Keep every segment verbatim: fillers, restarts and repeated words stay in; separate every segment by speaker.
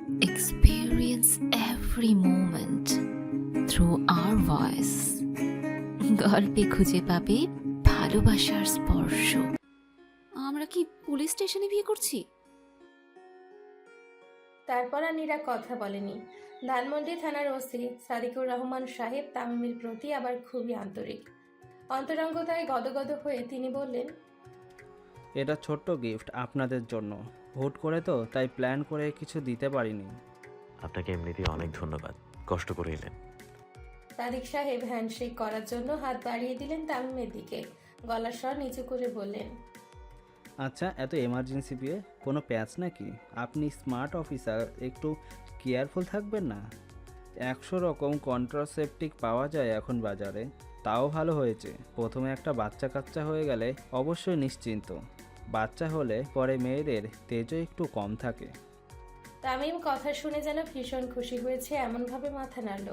Speaker 1: experience every moment through our voice. গল্পে খুঁজে পাবে ভালোবাসার স্পর্শ। আমরা কি পুলিশ স্টেশনে বিয়ে করছি?
Speaker 2: তারপর আর নীরা কথা বলেনি। ধানমন্ডি থানার ওসি সাদিকুর রহমান সাহেব তামিমের প্রতি আবার খুবই আন্তরিক। অন্তরঙ্গতায় গদগদ হয়ে তিনি বললেন,
Speaker 3: এটা ছোট্ট গিফট আপনাদের জন্য। হুট করে তো তাই প্ল্যান করে কিছু দিতে পারিনি।
Speaker 4: আপনাকে এমনিতেই অনেক ধন্যবাদ, কষ্ট করে এলেন।
Speaker 2: সাদিক সাহেব হ্যান্ডশেক করার জন্য হাত বাড়িয়ে দিলেন তামিমের দিকে। গলার স্বর নিচু করে বললেন,
Speaker 3: আচ্ছা, এত এমার্জেন্সি বিয়ে কোনো প্যাচ নাকি? আপনি স্মার্ট অফিসার, একটু কেয়ারফুল থাকবেন না? একশো রকম কন্ট্রাসেপটিক পাওয়া যায় এখন বাজারে। তাও ভালো হয়েছে, প্রথমে একটা বাচ্চা কাচ্চা হয়ে গেলে অবশ্যই নিশ্চিন্ত। বাচ্চা হলে পরে মেয়েদের তেজও একটু কম থাকে।
Speaker 2: তামিম কথা শুনে যেন ভীষণ খুশি হয়েছে এমনভাবে মাথা নাড়ল।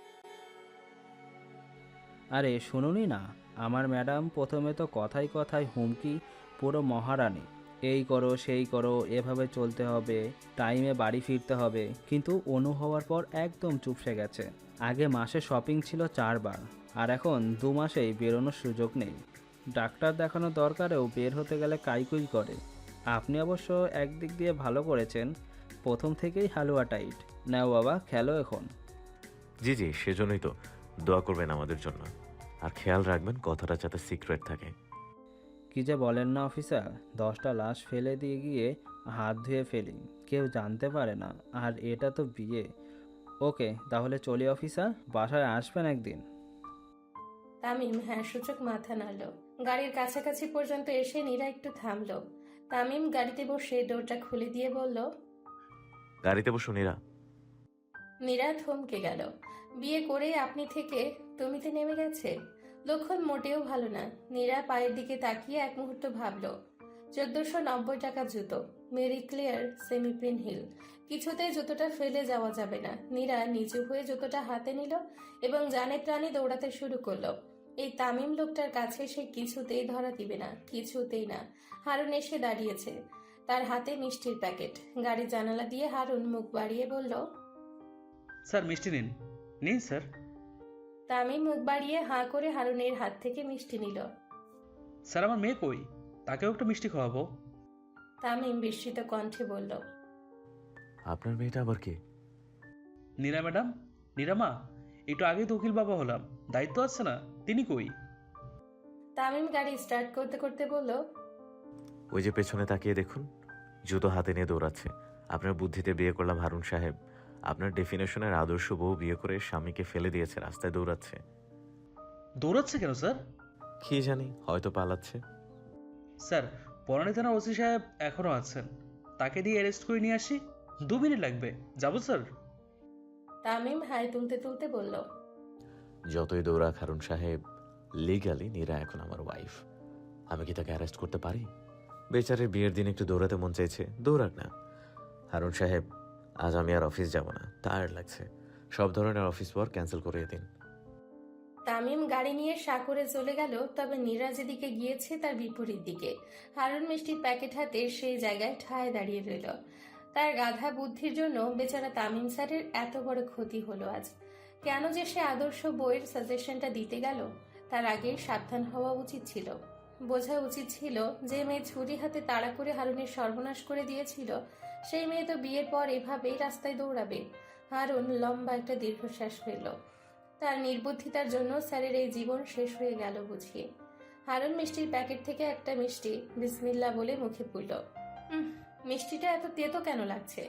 Speaker 3: আরে শুনুনি না, আমার ম্যাডাম প্রথমে তো কথায় কথায় হুমকি, পুরো মহারানী, এই করো সেই করো, এভাবে চলতে হবে, টাইমে বাড়ি ফিরতে হবে। কিন্তু অনু হওয়ার পর একদম চুপসে গেছে। আগে মাসে শপিং ছিল চারবার, আর এখন দু মাসেই বেরোনোর সুযোগ নেই। ডাক্তার দেখানোর দরকারেও বের হতে গেলে কাইকুই করে। আপনি অবশ্য একদিক দিয়ে ভালো করেছেন, প্রথম থেকেই হালুয়া টাইট। নাও বাবা, খেলো এখন।
Speaker 4: জি জি, সেজন্যই তো দোয়া করবেন আমাদের জন্য, আর খেয়াল রাখবেন কথাটা যাতে সিক্রেট থাকে।
Speaker 3: কি যে বলেন না অফিসার, দশটা লাশ ফেলে দিয়ে গিয়ে হাত ধুয়ে ফেলি, কেউ জানতে পারে না। আর এটা তো বিয়ে। ওকে, তাহলে চলি অফিসার, বাসায় আসবেন একদিন।
Speaker 2: তামিম হ্যাঁ সূচক মাথা নাড়ল। গাড়ির কাছাকাছি পর্যন্ত এসে নীরা একটু থামল। তামিম গাড়িতে বসে ডোরটা খুলে দিয়ে বলল,
Speaker 4: গাড়িতে বসুন নীরা।
Speaker 2: নীরা থমকে গেল। বিয়ে করে আপনি থেকে তুমিতে নেমে গেছে। লক্ষণ মোটেও ভালো না। নীরা পায়ের দিকে তাকিয়ে এক মুহূর্ত ভাবল। চোদ্দশো নব্বই টাকা জুতো, মেরি ক্লিয়ার সেমি প্রিন হিল। কিছুতেই জুতোটা ফেলে যাওয়া যাবে না। নীরা নিচু হয়ে জুতোটা হাতে নিল এবং জানে প্রাণে দৌড়াতে শুরু করলো। এই তামিম লোকটার কাছে সে কিছুতেই ধরা দিবে না, কিছুতেই না। হারুন এসে দাঁড়িয়েছে, তার হাতে মিষ্টির প্যাকেট। গাড়ির জানালা দিয়ে হারুন মুখ বাড়িয়ে বলল,
Speaker 5: স্যার মিষ্টি নিন। নিন স্যার।
Speaker 2: তামিম মুখ বাড়িয়ে হাঁ করে হারুনের হাত থেকে মিষ্টি নিল।
Speaker 5: স্যার আমার মেয়ে কই? তাকেও একটা মিষ্টি খাওয়াবো।
Speaker 2: তামিম বিস্মিত কণ্ঠে বলল,
Speaker 4: আপনার মেয়েটা আবার কে?
Speaker 5: নীরা ম্যাডাম। নীরা মা, একটু আগেই তো উকিল বাবা হলাম, দায়িত্ব আছে না? তিনি কই?
Speaker 2: তামিম গাড়ি স্টার্ট করতে করতে বলল,
Speaker 4: ওই যে পেছনে তাকিয়ে দেখুন, জুতো হাতে নিয়ে দৌড়াচ্ছে। আপনার বুদ্ধিতে বিয়ে করলাম হারুন সাহেব। আপনার ডেফিনেশনের আদর্শ বউ বিয়ে করে স্বামীকে ফেলে দিয়েছে, রাস্তায় দৌড়াচ্ছে।
Speaker 5: দৌড়াচ্ছে কেন স্যার?
Speaker 4: কি জানি, হয়তো পালাচ্ছে।
Speaker 5: স্যার, বনানী থানার ওসি সাহেব এখনো আছেন, তাকে দিয়ে অ্যারেস্ট করে নিয়ে আসি। দু মিনিট লাগবে, যাবো স্যার।
Speaker 2: তামিম হাই তুলতে তুলতে বলল,
Speaker 4: যতই দৌড়াক হারুন সাহেব, লিগালি নীরা এখন আমার ওয়াইফ। আমি কি তাকে অ্যারেস্ট করতে পারি? বেচারের বিয়ের দিন একটু দৌড়াতে মন চাইছে, দৌড়াক না। হারুন সাহেব, আজ আমি আর অফিস যাব না, টায়ার্ড লাগছে। সব ধরনের অফিস ওয়ার্ক ক্যান্সেল করিয়ে দিন।
Speaker 2: তামিম গাড়ি নিয়ে সাকরে চলে গেল। তবে নীরা যেদিকে গিয়েছে তার বিপরীত দিকে। হারুন মিষ্টির প্যাকেট হাতে সেই জায়গায় ঠায় দাঁড়িয়ে রইল। তার গাধা বুদ্ধির জন্য বেচারা তামিম স্যারের এত বড় ক্ষতি হলো আজ। কেন যে সে আদর্শ বইয়ের সাজেশনটা দিতে গেল, তার আগেই সাবধান হওয়া উচিত ছিল। বোঝা উচিত ছিল যে মেয়ে ছুরি হাতে তাড়া করে হারুনের সর্বনাশ করে দিয়েছিল, সেই মেয়ে তো বিয়ের পর এভাবেই রাস্তায় দৌড়াবে। হারুন লম্বা একটা দীর্ঘশ্বাস ফেলল। তার নির্বুদ্ধিতার জন্য স্যারের এই জীবন শেষ হয়ে গেল বুঝিয়ে। হারুন মিষ্টির প্যাকেট থেকে একটা মিষ্টি বিসমিল্লা বলে মুখে পুরল। মিষ্টিটা এত তেতো কেন লাগছে?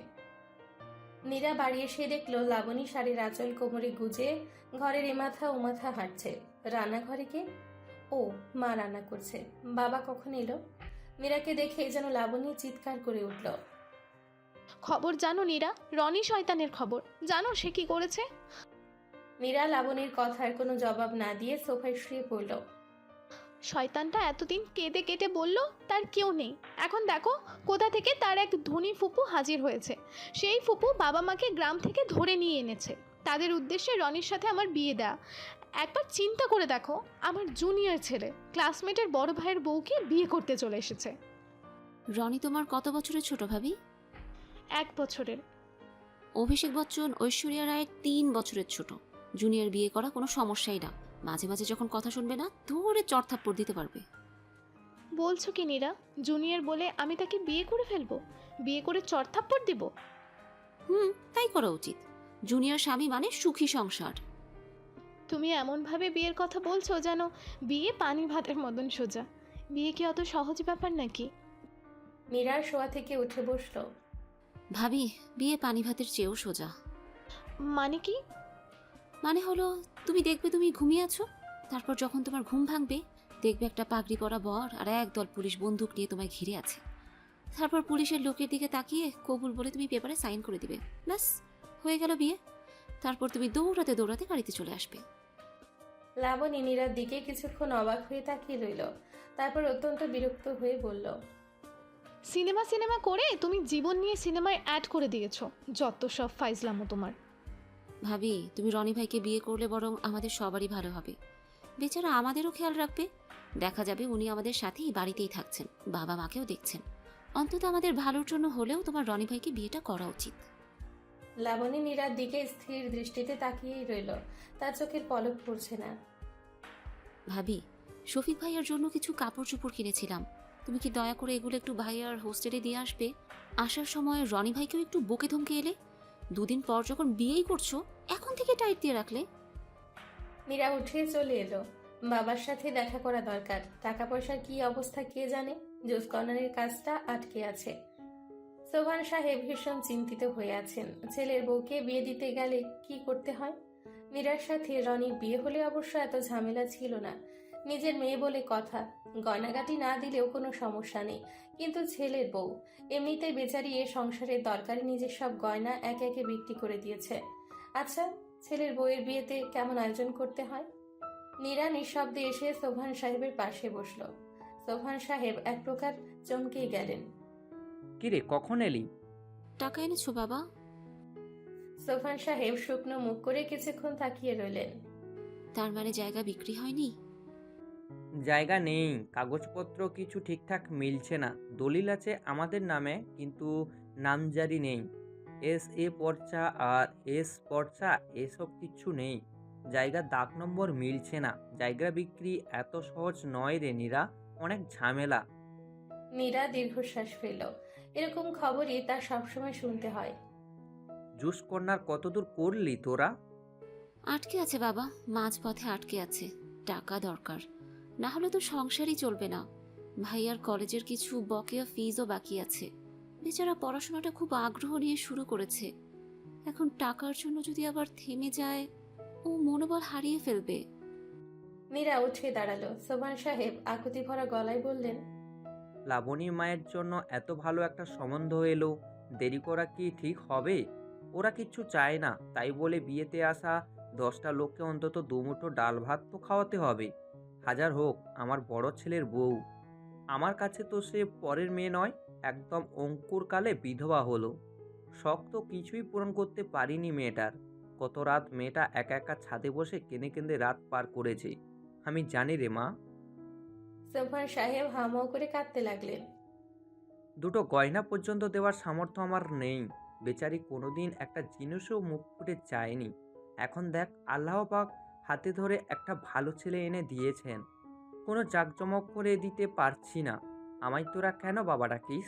Speaker 2: নীরা বাড়ি এসে দেখলো লাবণী শাড়ির আঁচল কোমরে গুজে ঘরের এমাথা ওমাথা হাঁটছে। রান্নাঘরে কে? ও, মা রান্না করছে। বাবা কখন এলো? নীরাকে দেখে যেন লাবণী চিৎকার করে উঠল,
Speaker 6: খবর জানো নীরা? রনি শয়তানের খবর জানো সে কি করেছে?
Speaker 2: নীরা লাবণীর কথার কোনো জবাব না দিয়ে সোফায় শুয়ে পড়ল।
Speaker 6: শয়তানটা এতদিন কেঁদে কেটে বলল তার কেউ নেই, এখন দেখো কোথা থেকে তার এক ধনী ফুপু হাজির হয়েছে। সেই ফুপু বাবা মাকে গ্রাম থেকে ধরে নিয়ে এনেছে, তাদের উদ্দেশ্যে রনির সাথে আমার বিয়ে দেয়া। একবার চিন্তা করে দেখো, আমার জুনিয়র ছেলে ক্লাসমেটের বড় ভাইয়ের বউকে বিয়ে করতে চলে এসেছে।
Speaker 1: রনি তোমার কত বছরের ছোট ভাবি?
Speaker 6: এক বছরের।
Speaker 1: অভিষেক বচ্চন ঐশ্বরিয়া রায়ের তিন বছরের ছোট। জুনিয়র বিয়ে করা কোনো সমস্যাই না। মাঝে মাঝে যখন কথা শুনবে না, ধরে চড়থাপ্পড় দিতে পারবে।
Speaker 6: বলছো কি নীরা? জুনিয়র বলে আমি তাকে বিয়ে করে ফেলবো? বিয়ে করে চড়থাপ্পড় দিব?
Speaker 1: হুম, তাই করা উচিত। জুনিয়র স্বামী মানে সুখী সংসার।
Speaker 6: তুমি এমনভাবে বিয়ের কথা বলছো যেন বিয়ে পানি ভাতের মতন সোজা। বিয়ে কি অত সহজ ব্যাপার নাকি?
Speaker 2: মীরার শোয়া থেকে উঠে বসলো।
Speaker 1: ভাবি, বিয়ে পানি ভাতের চেয়েও সোজা।
Speaker 6: মানে কি?
Speaker 1: মানে হলো, তুমি দেখবে তুমি ঘুমিয়ে আছো, তারপর যখন তোমার ঘুম ভাঙবে দেখবে একটা পাগড়ি পরা বর আর একদল পুলিশ বন্দুক নিয়ে তোমায় ঘিরে আছে। তারপর পুলিশের লোকের দিকে তাকিয়ে কবুল বলে তুমি পেপারে সাইন করে দিবে, ব্যাস হয়ে গেল বিয়ে। তারপর তুমি দৌড়াতে দৌড়াতে গাড়িতে চলে আসবে।
Speaker 2: লাবণী নীরার দিকে কিছুক্ষণ অবাক হয়ে তাকিয়ে রইল, তারপর অত্যন্ত বিরক্ত হয়ে বলল,
Speaker 6: সিনেমা সিনেমা করে তুমি জীবন নিয়ে সিনেমায় অ্যাড করে দিয়েছো। যত সব ফাইজলামো তোমার।
Speaker 1: ভাবি, তুমি রনি ভাইকে বিয়ে করলে বরং আমাদের সবারই ভালো হবে। বেচারা আমাদেরও খেয়াল রাখবে। দেখা যাবে উনি আমাদের সাথেই বাড়িতেই থাকছেন, বাবা মাকেও দেখছেন। অন্তত আমাদের ভালোর জন্য হলেও তোমার রনি ভাইকে বিয়েটা করা উচিত।
Speaker 2: লাবণী নীরার দিকে স্থির দৃষ্টিতে তাকিয়েই রইল, তার চোখের পলক পড়ছে না।
Speaker 1: ভাবি, শফিক ভাইয়ার জন্য কিছু কাপড় চোপড় কিনেছিলাম, তুমি কি দয়া করে এগুলো একটু ভাইয়ার হোস্টেলে দিয়ে আসবে? আসার সময় রনি ভাইকেও একটু বকে ধমকে এলে। দুদিন পর যখন বিয়েই করছো, এখন থেকে টাইট দিয়ে রাখলে।
Speaker 2: মীরা উঠে চলে এলো। বাবার সাথে দেখা করা দরকার। টাকা পয়সার কি অবস্থা কে জানে। জোস কর্নারের কাজটা আটকে আছে। সোভান সাহেব ভীষণ চিন্তিত হয়ে আছেন। ছেলের বউকে বিয়ে দিতে গেলে কি করতে হয়। মীরার সাথে রনির বিয়ে হলে অবশ্য এত ঝামেলা ছিল না। নিজের মেয়ে বলে কথা, গয়নাগাটি না দিলেও কোনো সমস্যা নেই। কিন্তু ছেলের বউ, এমনিতেই বেচারি এ সংসারের দরকারে নিজের সব গয়না একে একে বিক্রি করে দিয়েছে। আচ্ছা, ছেলের বউয়ের বিয়েতে কেমন আয়োজন করতে হয়? নীরা নিঃশব্দে এসে সোভান সাহেবের পাশে বসল। সোভান সাহেব এক প্রকার চমকেই গেলেন।
Speaker 7: কিরে, কখন এলি?
Speaker 1: টাকা এনেছো বাবা?
Speaker 2: সোভান সাহেব শুকনো মুখ করে কিছুক্ষণ তাকিয়ে রইলেন।
Speaker 1: তার মানে জায়গা বিক্রি হয়নি?
Speaker 7: জায়গা নেই, কাগজপত্র কিছু ঠিকঠাক মিলছে না। দলিল আছে আমাদের নামে, কিন্তু নামজারি নেই। এস এ পর্চা আর এস পর্চা এসব কিছু নেই। জায়গার দাগ নম্বর মিলছে না। জায়গা বিক্রি এত সহজ নয় রে নীরা, অনেক ঝামেলা।
Speaker 2: নীরা দীর্ঘশ্বাস ফেলল। এরকম খবরই তার সবসময় শুনতে হয়।
Speaker 7: জুস কর্নার কতদূর করলি তোরা?
Speaker 1: আটকে আছে বাবা, মাঝপথে আটকে আছে। টাকা দরকার, না হলে তো সংসারই চলবে না। ভাইয়ার কলেজের কিছু বকেয়া ফিজও বাকি আছে। বেচারা পড়াশোনাটা খুব আগ্রহ নিয়ে শুরু করেছে, এখন টাকার জন্য যদি আবার থেমে যায়, ও মনোবল হারিয়ে ফেলবে।
Speaker 2: নীরা উঠে দাঁড়ালো। সোভান সাহেব আকুতি ভরা গলায় বললেন,
Speaker 7: লাবণীর মায়ের জন্য এত ভালো একটা সম্বন্ধ এলো, দেরি করা কি ঠিক হবে? ওরা কিচ্ছু চায় না, তাই বলে বিয়েতে আসা দশটা লোককে অন্তত দুমুঠো ডাল ভাত তো খাওয়াতে হবে। হাজার হোক আমার বড় ছেলের বউ, আমার কাছে তো সে পরের মেয়ে নয়, একদম অঙ্কুর কালে বিধবা হলো। শখ তো কিছুই পূরণ করতে পারিনি মেয়েটার। কত রাত মেয়েটা একা একা ছাদে বসে কেঁদে কেঁদে রাত পার করেছে, আমি জানি রে মা।
Speaker 2: সোভান সাহেব হামাও করে কাঁদতে লাগলেন।
Speaker 7: দুটো গয়না পর্যন্ত দেওয়ার সামর্থ্য আমার নেই। বেচারি কোনোদিন একটা জিনিসও মুখ ফুটে চায়নি। এখন দেখ, আল্লাহ পাক হাতে ধরে একটা ভালো ছেলে এনে দিয়েছেন, কোনো জাঁকজমক করে দিতে পারছি না। আমায় তোরা কেন বাবা ডাকিস?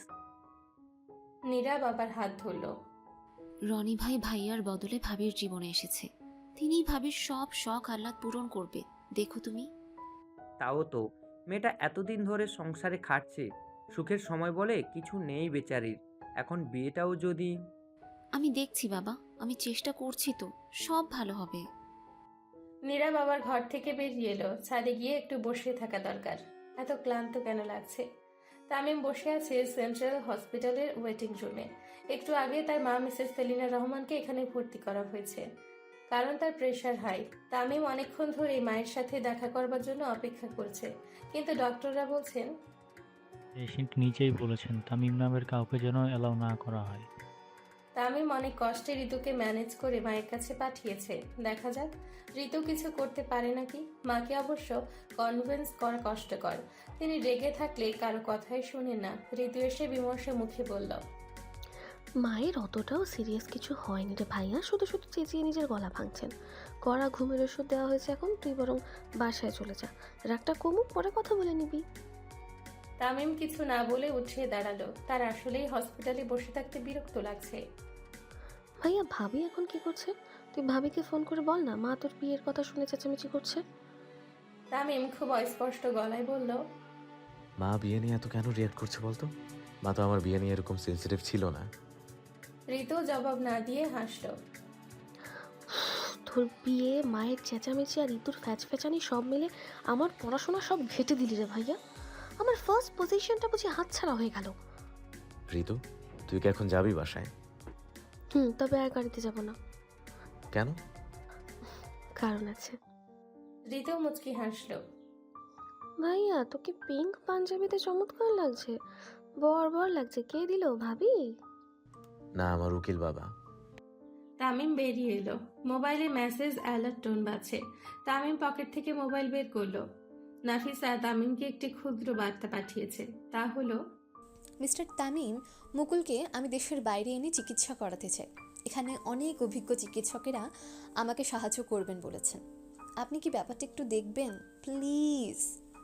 Speaker 2: নীরা বাবার হাত ধরল।
Speaker 1: রনি ভাই ভাইয়ার বদলে ভাবির জীবনে এসেছে, তিনিই ভাবির সব শখ আহ্লাদ পূরণ করবে, দেখো তুমি।
Speaker 7: তাও তো, মেয়েটা এতদিন ধরে সংসারে খাটছে, সুখের সময় বলে কিছু নেই বেচারির। এখন বিয়েটাও যদি।
Speaker 1: আমি দেখছি বাবা, আমি চেষ্টা করছি তো, সব ভালো হবে।
Speaker 2: নীরা বাবার ঘর থেকে বেরিয়ে এলো। ছাদে গিয়ে একটু বসে থাকা দরকার। এত ক্লান্ত কেন লাগছে। তামিম বসে আছে সেন্ট্রাল হসপিটালের ওয়েটিং রুমে। একটু আগে তার মা মিসেস সেলিনা রহমানকে এখানে ভর্তি করা হয়েছে, কারণ তার প্রেশার হাই। তামিম অনেকক্ষণ ধরে মায়ের সাথে দেখা করবার জন্য অপেক্ষা করছে, কিন্তু ডক্টররা বলছেন
Speaker 8: পেশেন্ট নিজেই বলেছেন তামিম নামের কাউকে যেন অ্যালাউ না করা হয়।
Speaker 2: তামিম অনেক কষ্টে ঋতুকে ম্যানেজ করে মায়ের কাছে পাঠিয়েছে। দেখা যাক ঋতু কিছু করতে পারে নাকি। মাকে অবশ্য কনভিন্স করা কষ্টকর। তিনি রেগে থাকলে কারো কথাই শুনেন না। ঋতু এসে বিমর্ষ মুখে বলল,
Speaker 9: মায়ের অতটাও সিরিয়াস কিছু হয়নি রে ভাইয়া, শুধু শুধু চেঁচিয়ে নিজের গলা ভাঙছেন। কড়া ঘুমের ওষুধ দেওয়া হয়েছে, এখন তুই বরং বাসায় চলে যা, রাগটা কমুক, পরে কথা বলে নিবি।
Speaker 2: তামিম কিছু না বলে উঠে দাঁড়ালো। তার আসলেই হসপিটালে বসে থাকতে বিরক্ত লাগছে।
Speaker 9: ভাইয়া ভাবি এখন কি করছে? তুই ভাবিকে ফোন করে বল না, মা তোর বিয়ের কথা শুনে চেঁচামেচি করছে।
Speaker 2: তামিম খুব অস্পষ্ট গলায় বলল,
Speaker 4: মা বিয়ে নিয়ে এত কেন রিয়াক্ট করছে বলতো? মা তো আমার বিয়ে নিয়ে এরকম সেন্সিটিভ ছিল না।
Speaker 2: ঋতু জবাব না দিয়ে হাসলো।
Speaker 9: তোর বিয়ে, মায়ের চেঁচামেচি আর ঋতুর ফ্যাচ ফ্যাচানি সব মিলে আমার পড়াশোনা সব ঘেটে দিলি রে ভাইয়া। আমার ফার্স্ট পজিশনটা বুঝি হাতছাড়া হয়ে গেল।
Speaker 4: ঋতু, তুই কি এখন যাবি বাসায়?
Speaker 9: হুম, তবে আর গাড়িতে যাব না।
Speaker 4: কেন?
Speaker 9: কারণ আছে।
Speaker 2: ঋতু মুচকি হাসলো।
Speaker 9: ভাইয়া তোকে পিঙ্ক পাঞ্জাবিতে চমৎকার লাগছে, বর বর লাগছে। কে দিল, ভাবি?
Speaker 4: না, আমার উকিল বাবা।
Speaker 2: তামিম বেরিয়ে এলো। মোবাইলে মেসেজ অ্যালার্ট টোন বাজছে। তামিম পকেট থেকে মোবাইল বের করলো। নাফিসা তামিমকে একটি ক্ষুদ্র বার্তা পাঠিয়েছে। তা হলো,
Speaker 10: মিস্টার তামিম, মুকুলকে আমি দেশের বাইরে এনে চিকিৎসা করাতে চাই। এখানে অনেক অভিজ্ঞ চিকিৎসকেরা আমাকে সাহায্য করবেন বলেছেন। আপনি কি ব্যাপারটা একটু দেখবেন প্লিজ?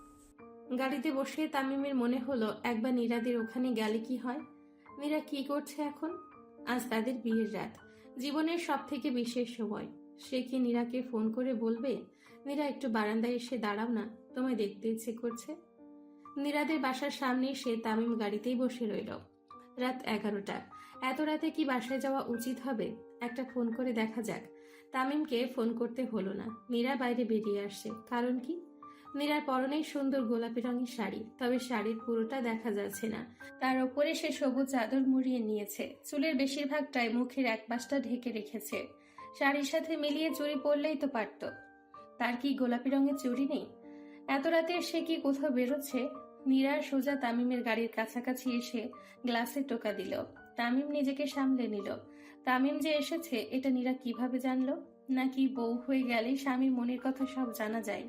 Speaker 2: গাড়িতে বসে তামিমের মনে হলো একবার নীরাদের ওখানে গেলে কি হয়। নীরা কি করছে এখন? আজ তাদের বিয়ের রাত, জীবনের সব থেকে বিশেষ সময়। সে কি নীরাকে ফোন করে বলবে, নীরা একটু বারান্দায় এসে দাঁড়াও না, তোমায় দেখতে ইচ্ছে করছে? নীরাদের বাসার সামনে সে তামিম গাড়িতেই বসে রইল। রাত এগারোটা। এত রাতে কি বাসায় যাওয়া উচিত হবে? একটা ফোন করে দেখা যাক। তামিমকে ফোন করতে হলো না। নীরা বাইরে বেরিয়ে আসছে। কারণ কি? নীরার পরনে সুন্দর গোলাপি রঙের শাড়ি, তবে শাড়ির পুরোটা দেখা যাচ্ছে না। তার ওপরে সে সবুজ চাদর মুড়িয়ে নিয়েছে। চুলের বেশিরভাগটাই মুখের এক পাশটা ঢেকে রেখেছে। শাড়ির সাথে মিলিয়ে চুড়ি পরলেই তো পারত। তার কি গোলাপি রঙের চুড়ি নেই? এত রাতে সে কি কোথাও বেরোচ্ছে? নীরা সোজা তামিমের গাড়ির কাছাকাছি এসে গ্লাসে টোকা দিল। তামিম নিজেকে সামলে নিল। তামিম যে এসেছে এটা নীরা কিভাবে জানলো? নাকি বউ হয়ে গেলে স্বামীর মনের কথা সব জানা যায়?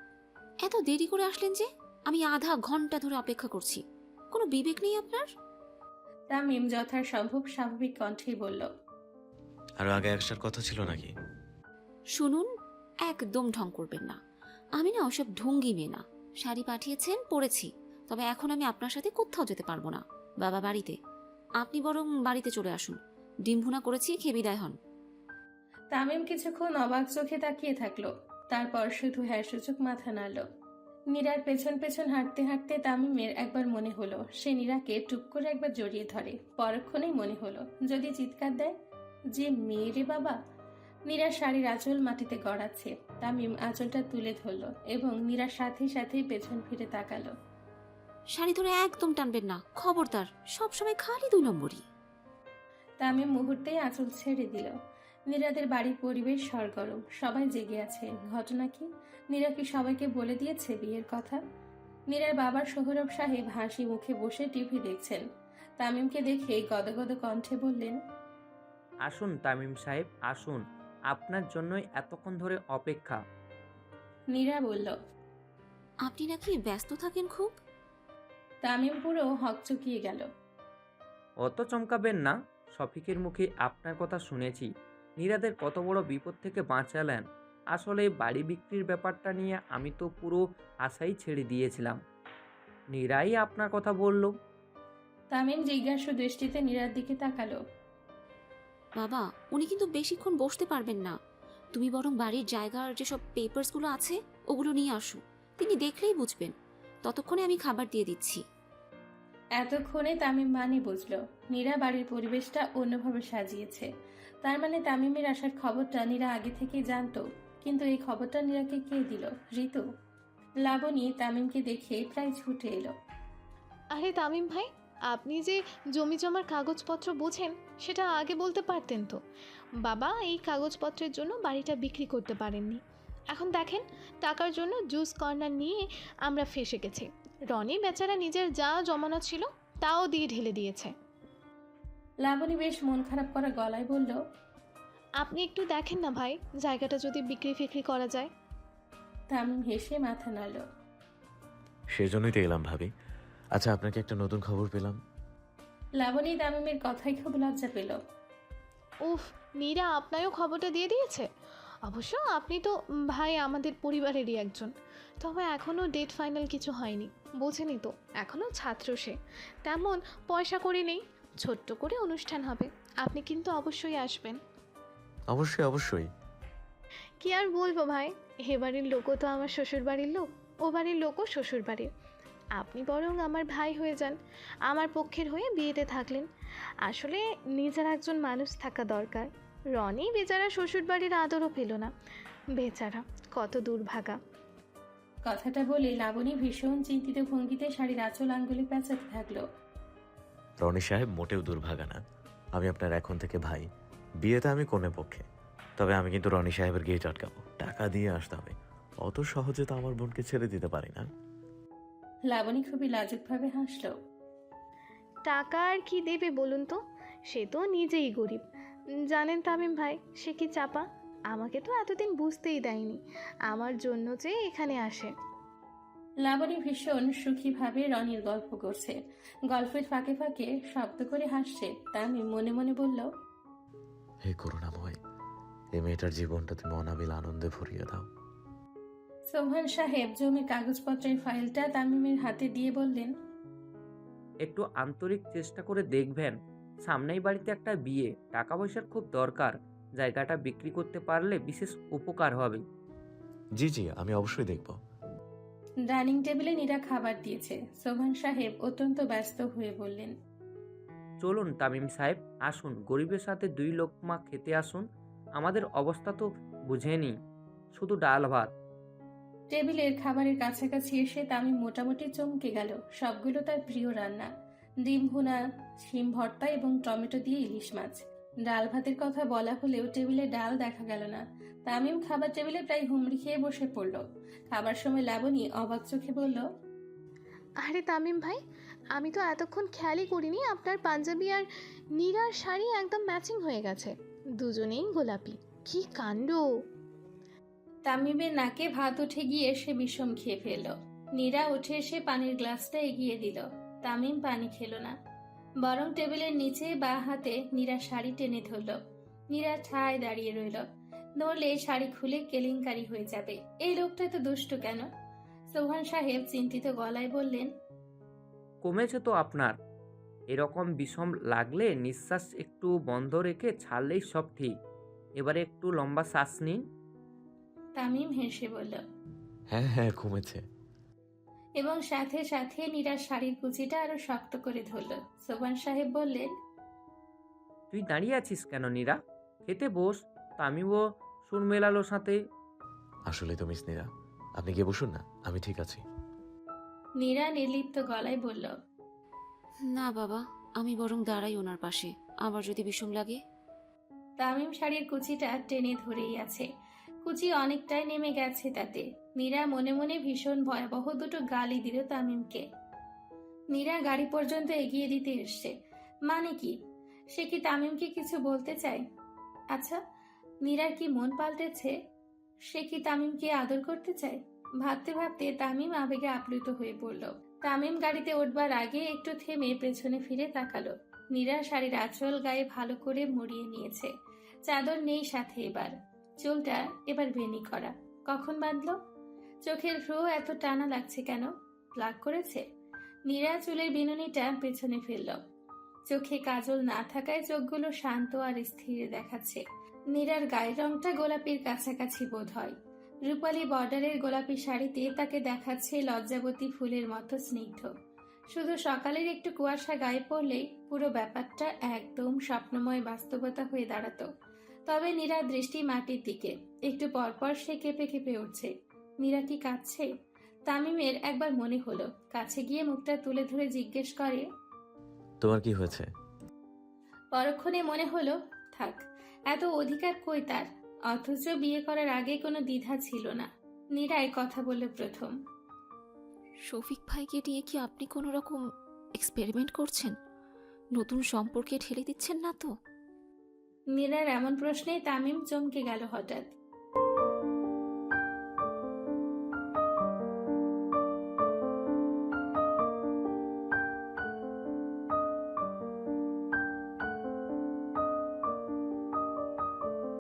Speaker 1: এত দেরি করে আসলেন যে? আমি আধা ঘন্টা ধরে অপেক্ষা করছি। কোনো বিবেক নেই আপনার?
Speaker 2: তামিম যথাসম্ভব স্বাভাবিক কণ্ঠেই বলল,
Speaker 4: আরো আগে একটার কথা ছিল নাকি?
Speaker 1: শুনুন, একদম ঢং করবেন না। আমি না ওসব ঢঙ্গি মেয়ে না। শাড়ি পাঠিয়েছেন, পরেছি, তবে এখন আমি আপনার সাথে কোথাও যেতে পারবো না। বাবা বাড়িতে, আপনি বরং বাড়িতে চলে আসুন। ডিম ভুনা করেছি, খেয়ে বিদায় হন।
Speaker 2: তামিম কিছুক্ষণ অবাক চোখে তাকিয়ে থাকলো। তারপর শুধু হ্যাঁ সূচক মাথা নাড়ল। নীরার পেছন পেছন হাঁটতে হাঁটতে তামিমের একবার মনে হলো সে নীরাকে টুপ করে একবার জড়িয়ে ধরে। পরক্ষণেই মনে হলো যদি চিৎকার দেয়, যে মেয়েরে বাবা। নীরার শাড়ির আঁচল মাটিতে গড়াচ্ছে। তামিম আঁচলটা তুলে ধরল এবং নীরার সাথে সাথে পেছন ফিরে তাকালো।
Speaker 1: শাড়ি ধরে একদম টানবেন না, খবরদার। সবসময় খালি দুই নম্বরই।
Speaker 2: তামিম মুহূর্তেই আঁচল ছেড়ে দিল। নীরাদের বাড়ির পরিবেশ সরগরম, সবাই জেগে আছে। ঘটনা কি? নীরা কি সবাইকে বলে দিয়েছে বিয়ের কথা? নীরার বাবার সোহরব সাহেব হাসি মুখে বসে টিভি দেখছেন। তামিমকে দেখে গদগদ কণ্ঠে বললেন,
Speaker 7: আসুন তামিম সাহেব, আসুন, আপনার জন্যই এতক্ষণ ধরে অপেক্ষা।
Speaker 2: নীরা বলল,
Speaker 1: আপনি নাকি ব্যস্ত থাকেন খুব?
Speaker 2: তামিম পুরো হকচকিয়ে গেল।
Speaker 7: অত চমকাবেন না, শফিকের মুখে আপনার কথা শুনেছি। নীরাদের কত বড় বিপদ থেকে বাঁচালেন। আসলে বাড়ি বিক্রির ব্যাপারটা নিয়ে আমি তো পুরো আশাই ছেড়ে দিয়েছিলাম। নীরাই আপনার কথা বলল।
Speaker 2: তামিম জিজ্ঞাসু দৃষ্টিতে নীরার দিকে তাকালো।
Speaker 1: বাবা, উনি কিন্তু বেশিক্ষণ বসতে পারবেন না। তুমি বরং বাড়ির জায়গার যেসব পেপারসগুলো আছে ওগুলো নিয়ে আসো। তিনি দেখলেই বুঝবেন। ততক্ষণে আমি খাবার দিয়ে দিচ্ছি।
Speaker 2: এতক্ষণে তামিম মানে বুঝলো নীরা বাড়ির পরিবেশটা অন্যভাবে সাজিয়েছে। তার মানে তামিমের আসার খবরটা নীরা আগে থেকেই জানতো। কিন্তু এই খবরটা নীরাকে কে দিল? ঋতু? লাবণী তামিমকে দেখে প্রায় ছুটে এলো।
Speaker 6: আরে তামিম ভাই, আপনি যে জমি জমার কাগজপত্র বোঝেন সেটা আগে বলতে পারতেন তো। বাবা এই কাগজপত্রের জন্য বাড়িটা বিক্রি করতে পারেননি। এখন দেখেন, টাকার জন্য জুস কর্নার নিয়ে আমরা ফেসে গেছি। রনি বেচারা নিজের যা জমানো ছিল তাও দিয়ে ঢেলে দিয়েছে।
Speaker 2: লাবণী বেশ মন খারাপ করা গলায় বলল,
Speaker 6: আপনি একটু দেখেন না ভাই, জায়গাটা যদি বিক্রি ফিক্রি করা যায়।
Speaker 2: তামিম হেসে মাথা নাড়ল।
Speaker 4: সেজন্যই তো এলাম ভাবি। আচ্ছা, আপনাকে একটা নতুন খবর পেলাম।
Speaker 2: লাবণী তামিমের কথায় খুব লজ্জা পেল।
Speaker 6: উফ, নীরা আপনারও খবরটা দিয়ে দিয়েছে? অবশ্য আপনি তো উম, ভাই আমাদের পরিবারেরই একজন, তবে এখনও ডেট ফাইনাল কিছু হয়নি। বোঝেনি তো, এখনও ছাত্র সে, তেমন পয়সা করে নেই। ছোট্ট করে অনুষ্ঠান হবে, আপনি কিন্তু অবশ্যই আসবেন।
Speaker 4: অবশ্যই অবশ্যই।
Speaker 6: কি আর বলবো ভাই, এ বাড়ির লোকও তো আমার শ্বশুর বাড়ির লোক, ও বাড়ির লোকও শ্বশুর বাড়ির। আপনি বরং আমার ভাই হয়ে যান, আমার পক্ষের হয়ে বিয়েতে থাকলেন। আসলে নিজের একজন মানুষ থাকা দরকার। রনি বেচারা শ্বশুর বাড়ির আদরও পেল না, বেচারা কত দুর্ভাগা।
Speaker 2: কথাটা বলে লাবণী ভীষণ চিন্তিত ভঙ্গিতে শাড়ির আঁচল আঙ্গুলে পেঁচাতে থাকলো।
Speaker 4: রনি সাহেব মোটেও দুর্ভাগা না। আমি আপনার এখন থেকে ভাই। বিয়েতে আমি কনে পক্ষে, তবে আমি কিন্তু রনি সাহেবের গেট আটকাবো। টাকা দিয়ে আসতে হবে, অত সহজে তো আমার বোনকে ছেড়ে দিতে পারি না।
Speaker 2: লাবণী খুবই লাজুকভাবে হাসলো।
Speaker 6: টাকা আর কি দেবে বলুন তো, সে তো নিজেই গরিব। জানেন তামিম ভাই, সে কি চাপা, আমাকে তো এতদিন বুঝতেই দেয়নি আমার জন্য যে এখানে আসে।
Speaker 2: লাবণী ভীষণ সুখীভাবে রনির গল্প করছে, গল্পের ফাঁকে ফাঁকে শব্দ করে হাসছে। তামিম মনে মনে বলল,
Speaker 4: হে করুণাময়, এই মেয়েটার জীবনটা তুমি অনাবিল আনন্দে ভরিয়ে দাও।
Speaker 2: সোহান সাহেব জমির কাগজপত্রের ফাইলটা তামিমের হাতে দিয়ে বললেন,
Speaker 7: একটু আন্তরিক চেষ্টা করে দেখবেন, সামনেই বাড়িতে একটা বিয়ে, টাকা পয়সার খুব দরকার, জায়গাটা বিক্রি করতে পারলে বিশেষ উপকার হবে।
Speaker 4: জি জি, আমি অবশ্যই দেখব।
Speaker 2: ডাইনিং টেবিলে নীরা খাবার দিয়েছে। সোহান সাহেব অত্যন্ত ব্যস্ত হয়ে বললেন,
Speaker 7: চলুন তামিম সাহেব, আসুন, গরিবের সাথে দুই লোকমা খেতে আসুন। আমাদের অবস্থা তো বুঝেনি, শুধু ডাল ভাত।
Speaker 2: টেবিলের খাবারের কাছাকাছি এসে তামিম মোটামুটি চমকে গেল। সবগুলো তার প্রিয় রান্না, ডিম ভুনা, শিম ভর্তা এবং টমেটো দিয়ে ইলিশ মাছ। ডাল ভাতের কথা বলা হলেও টেবিলে ডাল দেখা গেল না। তামিম খাবার টেবিলে প্রায় হুমড়ি খেয়ে বসে পড়ল। খাবার সময় লাবণী অবাক চোখে বলল,
Speaker 6: আরে তামিম ভাই, আমি তো এতক্ষণ খেয়ালই করিনি আপনার পাঞ্জাবি আর নীরার শাড়ি একদম ম্যাচিং হয়ে গেছে, দুজনেই গোলাপি। কি কাণ্ড!
Speaker 2: তামিমের নাকে ভাত উঠে গিয়ে সে বিষম খেয়ে ফেলল। নীরা উঠে এসে পানির গ্লাসটা এগিয়ে দিল। তামিম পানি খেল না, বরং টেবিলের নিচে বা হাতে নীরা শাড়ি টেনে ধরল। নীরা ঠায় দাঁড়িয়ে রইল, নড়লে শাড়ি খুলে কেলেঙ্কারি হয়ে যাবে। এই লোকটা তো দুষ্ট কেন? সোহান সাহেব চিন্তিত গলায় বললেন,
Speaker 7: কমেছে তো আপনার? এরকম বিষম লাগলে নিঃশ্বাস একটু বন্ধ রেখে ছাড়লেই সব ঠিক। এবারে একটু লম্বা শ্বাস নিন।
Speaker 2: তামিম হেসে বলল,
Speaker 4: হ্যাঁ হ্যাঁ, কমেছে।
Speaker 2: এবং সাথে সাথে নীরার শাড়ির কুচিটা আরো শক্ত করে ধরল। সোহান সাহেব বললেন,
Speaker 7: তুই দাঁড়িয়ে আছিস কেন নীরা? খেতে বস। তামিমও সুর মেলালো সাথে।
Speaker 4: আসলে তো মিস নীরা, আপনি গিয়ে বসুন না, আমি ঠিক আছি।
Speaker 2: নীরা নির্লিপ্ত গলায় বলল,
Speaker 1: না বাবা, আমি বরং দাঁড়াই ওনার পাশে, আবার যদি বিষম লাগে।
Speaker 2: তামিম শাড়ির কুচিটা টেনে ধরেই আছে, কুচি অনেকটাই নেমে গেছে তাতে। নীরা মনে মনে ভীষণ ভয়াবহ দুটো গালি দিল তামিমকে। নীরা গাড়ি পর্যন্ত এগিয়ে দিতে এসছে, মানে কি সে কি তামিমকে কিছু বলতে চায়? আচ্ছা, নীরার কি মন পাল্টেছে? সে কি তামিমকে আদর করতে চায়? ভাবতে ভাবতে তামিম আবেগে আপ্লুত হয়ে পড়ল। তামিম গাড়িতে উঠবার আগে একটু থেমে পেছনে ফিরে তাকালো। নীরা শাড়ির আঁচল গায়ে ভালো করে মুড়িয়ে নিয়েছে, চাদর নেই সাথে। এবার চুলটা এবার বেনি করা। কখন বাঁধলো? চোখের ভ্রু এত টানা লাগছে কেন? প্লাগ করেছে? নীরা চুলের বিনুনিটা পেছনে ফেলল। চোখে কাজল না থাকায় চোখগুলো শান্ত আর স্থির দেখাচ্ছে। নীরার গায়ের রংটা গোলাপির কাছাকাছি বোধ হয়। রূপালী বর্ডারের গোলাপি শাড়িতে তাকে দেখাচ্ছে লজ্জাবতী ফুলের মতো স্নিগ্ধ। শুধু সকালের একটু কুয়াশা গায়ে পড়লেই পুরো ব্যাপারটা একদম স্বপ্নময় বাস্তবতা হয়ে দাঁড়াতো। তবে নীরার দৃষ্টি মাটির দিকে। একটু পরপর সে কেঁপে কেঁপে উঠছে। নীরা কি কাঁদছে? তামিমের একবার মনে হলো, কাছে গিয়ে মুখটা তুলে ধরে জিজ্ঞেস করে,
Speaker 4: তোমার কি হয়েছে?
Speaker 2: পরক্ষণে মনে হলো, থাক, এত অধিকার কই তার, অথচ বিয়ে করার আগে কোনো দ্বিধা ছিল না। নীরাই কথা বলল প্রথম।
Speaker 1: শফিক ভাইকে নিয়ে কি আপনি কোনো রকম এক্সপেরিমেন্ট করছেন? নতুন সম্পর্কে ঠেলে দিচ্ছেন না তো?
Speaker 2: নীরার এমন প্রশ্নে তামিম চমকে গেল হঠাৎ।